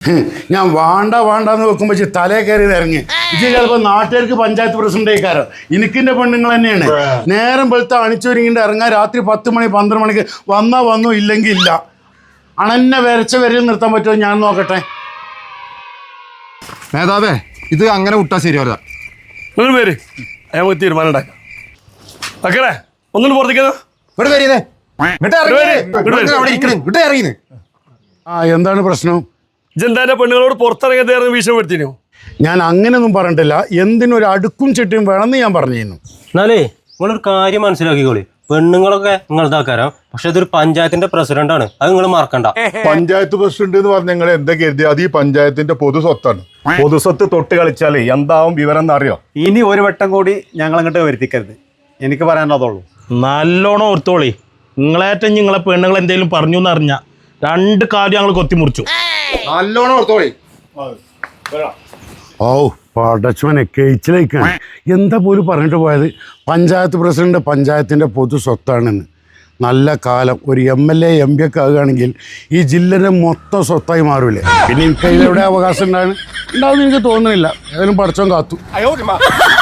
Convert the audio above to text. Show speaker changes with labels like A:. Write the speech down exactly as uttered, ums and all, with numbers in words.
A: ഞാൻ വാണ്ട വാണ്ടാന്ന് വെക്കുമ്പോ തലേ കയറി ഇറങ്ങി ഇത് ചിലപ്പോ നാട്ടുകാർക്ക് പഞ്ചായത്ത് പ്രസിഡന്റ് ആയിക്കാരോ എനിക്കിന്റെ പെണ്ണുങ്ങൾ തന്നെയാണ്. നേരം വെളുത്ത അണിച്ചൊരുങ്ങിട്ട് ഇറങ്ങാൻ രാത്രി പത്ത് മണി പന്ത്രണ്ട് മണിക്ക് വന്നാ വന്നു ഇല്ലെങ്കിൽ ഇല്ല. അണന്നെ വരച്ച വരയിൽ നിർത്താൻ പറ്റുമോ ഞാൻ നോക്കട്ടെ.
B: നേതാവേ ഇത് അങ്ങനെ വിട്ടാ ശരിയല്ല.
C: നിങ്ങൾ പേര് നമുക്ക് തീരുമാനം ഉണ്ടാക്കാം. അക്കറേ ഒന്നും പുറത്തേക്കാ
A: ആ എന്താണ് പ്രശ്നം?
C: ജന്താന്റെ പെണ്ണുങ്ങളോട് പുറത്തിറങ്ങാൻ ഭീഷണിപ്പെടുത്തിനോ?
A: ഞാൻ അങ്ങനെയൊന്നും പറഞ്ഞിട്ടില്ല. എന്തിനൊരു അടുക്കും ചിട്ടിയും വേണമെന്ന് ഞാൻ പറഞ്ഞിരുന്നു.
D: എന്നാലേ നിങ്ങളൊരു കാര്യം മനസ്സിലാക്കിക്കോളി, പെണ്ണുങ്ങളൊക്കെ നിങ്ങളുടെ ആക്കാരം, പക്ഷെ ഇതൊരു പഞ്ചായത്തിന്റെ പ്രസിഡന്റ് ആണ്, അത് നിങ്ങൾ മറക്കണ്ട.
B: പഞ്ചായത്ത് പ്രസിഡന്റ് എന്ന് പറഞ്ഞ നിങ്ങൾ എന്താ കരുതി? അത് ഈ പഞ്ചായത്തിന്റെ പൊതു സ്വത്താണ്.
E: പൊതുസ്വത്ത് തൊട്ട് കളിച്ചാലേ എന്താവും വിവരം എന്നറിയോ?
F: ഇനി ഒരു വട്ടം കൂടി ഞങ്ങൾ അങ്ങോട്ട് വരുത്തിക്കരുത്, എനിക്ക് പറയാനുള്ളതുള്ളൂ.
G: നല്ലോണം ഓർത്തോളി. നിങ്ങളേറ്റം നിങ്ങളെ പെണ്ണുങ്ങൾ എന്തെങ്കിലും പറഞ്ഞു എന്ന് അറിഞ്ഞ രണ്ട് കാര്യം ഞങ്ങൾ കൊത്തിമുറിച്ചു.
B: നല്ലോണം ഓർത്തോളി.
A: ഓ പടച്ചവനെ കേച്ചിലേക്കാണ്. എന്താ പോലും പറഞ്ഞിട്ട് പോയത്? പഞ്ചായത്ത് പ്രസിഡന്റ് പഞ്ചായത്തിൻ്റെ പൊതു സ്വത്താണെന്ന്. നല്ല കാലം ഒരു M L A M P ഒക്കെ ആകുകയാണെങ്കിൽ ഈ ജില്ലയുടെ മൊത്തം സ്വത്തായി മാറൂലേ? പിന്നെ എനിക്ക് അതിലെവിടെ അവകാശം ഉണ്ടാകും ഉണ്ടാവുമെന്ന് എനിക്ക് തോന്നുന്നില്ല. ഏതായാലും പടച്ചവൻ കാത്തു.